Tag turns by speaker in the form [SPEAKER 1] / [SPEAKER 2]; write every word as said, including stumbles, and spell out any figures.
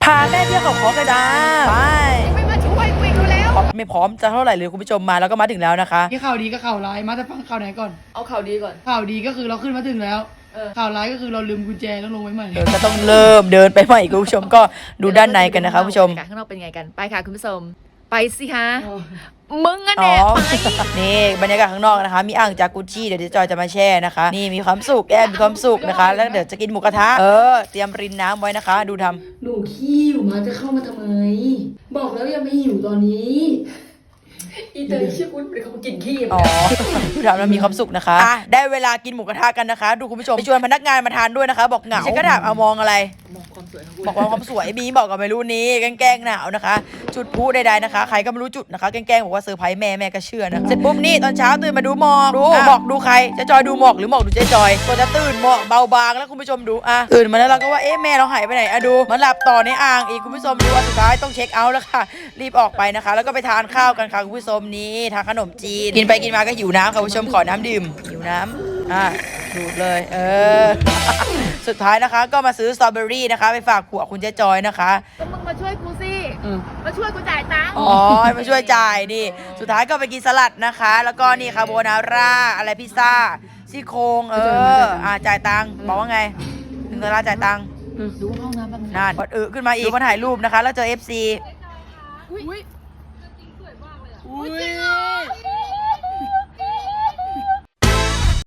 [SPEAKER 1] พาแม่เที่ยวเขาคอกันจ้าไป
[SPEAKER 2] ไม่มาช่วยกูอีกแล้ว
[SPEAKER 1] ไม่พร้อมจะเท่าไหร่เลยคุณผู้ชมมาแล้วก็มาถึงแล้วนะคะ
[SPEAKER 3] ที่ข่าวดีกับข่าวร้ายมาจะฟังข่าวไหนก่อน
[SPEAKER 2] เอาข่าวดีก่อน
[SPEAKER 3] ข่าวดีก็คือเราขึ้นมาถึงแล้ว
[SPEAKER 2] เออ
[SPEAKER 3] ข่าวร้ายก็คือเราลืมกุญแจต้องลงไว้ใหม่
[SPEAKER 1] เดี๋ยวก็ต้องเริ่มเดินไปใหม่คุณผู้ชมก็ดูด้านในกันนะคะคุณผู้ชม
[SPEAKER 2] บรรยากาศข้างนอกเป็นไงกันไปค่ะคุณผู้ชมไปสิฮะ
[SPEAKER 3] อ๋อ
[SPEAKER 2] มึงอะ
[SPEAKER 1] อ๋
[SPEAKER 2] แน่
[SPEAKER 1] อ
[SPEAKER 2] ไป
[SPEAKER 1] นี่บรรยากาศข้างนอกนะคะ มีอ่างจากุชี่เดี๋ยวเจ๊จอยจะมาแช่นะคะ นี่มีความสุขแอนมีความสุขนะคะ แล้วเดี๋ยวจะกินหมูกระทะเออเตรียมรินน้ำไว้นะคะ ดูทำ
[SPEAKER 3] หนูขี้อยู่มาจะเข้ามาทำไม บอกแล้วยังไม่หิวตอนนี้
[SPEAKER 2] อีเตยชื่อคุณเป็นคนกินขี้
[SPEAKER 1] อ๋อดูทำแล้วมีความสุขนะคะอ่ะได้เวลากินหมูกระทะกันนะคะ ดูคุณผู้ชมไปชวนพนักงานมาทานด้วยนะคะ บอกเหงาฉันก็ถามเอามองอะไร
[SPEAKER 2] มองความสวยของกู
[SPEAKER 1] บอกว่าความสวยบีบอกกับไม่รู้นี้แกล้งๆหนาวนะคะ จุดพลุใดๆนะคะ ใครก็ไม่รู้จุดนะคะแกล้งๆบอกว่าเซอร์ไพรส์แม่แม่ก็เชื่อนะเสร็จปุ๊บนี่ตอนเช้าตื่นมาดูหมอกดูหมอกดูใครเจะจอยดูหมอกหรือหมอกดูเจ๊จอยก็จะตื่นหมอกเบาบางแล้วคุณผู้ชมดูอ่ะตื่นมาแล้วเราก็ว่าเอ๊ะแม่เราหายไปไหนอะดูมันหลับต่อในอ่างอีกคุณผู้ชมดูอ่ะสุดท้ายต้องเช็คเอาท์แล้วค่ะรีบออกไปนะคะ แล้วก็ไปทานข้าวกันค่ะคุณผู้ชมนี่ทานขนมจีนกินไปกินมาก็หิวน้ำค่ะคุณผู้ชมขอน้ำดื่มหิวน้ำอ่ะดูดเลยเออ สุดท้ายนะคะก็มาซื้อสตรอเบอรี่นะคะ ไปฝากผัวคุณเจ๊จอยนะคะ
[SPEAKER 2] ก็มึงมาช่วยกูสิ
[SPEAKER 3] เออ
[SPEAKER 2] มาช่วยกูจ่ายตังค์
[SPEAKER 1] อ๋อให้มาช่วยจ่ายนี่ สุดท้ายก็ไปกินสลัดนะคะ แล้วก็นี่คาโบนาร่าอะไรพิซซ่าซี่โครงเอออ่าจ่ายตังค์บอกว่าไงถึงเวลาจ่ายตังค์
[SPEAKER 2] ดูห้องน้ำแป๊บนึง
[SPEAKER 1] นั่นกดอึขึ้นมาอีกมาถ่ายรูปนะคะ แล้วเจอ เอฟ ซี
[SPEAKER 2] อุ้ย
[SPEAKER 3] อุ้ย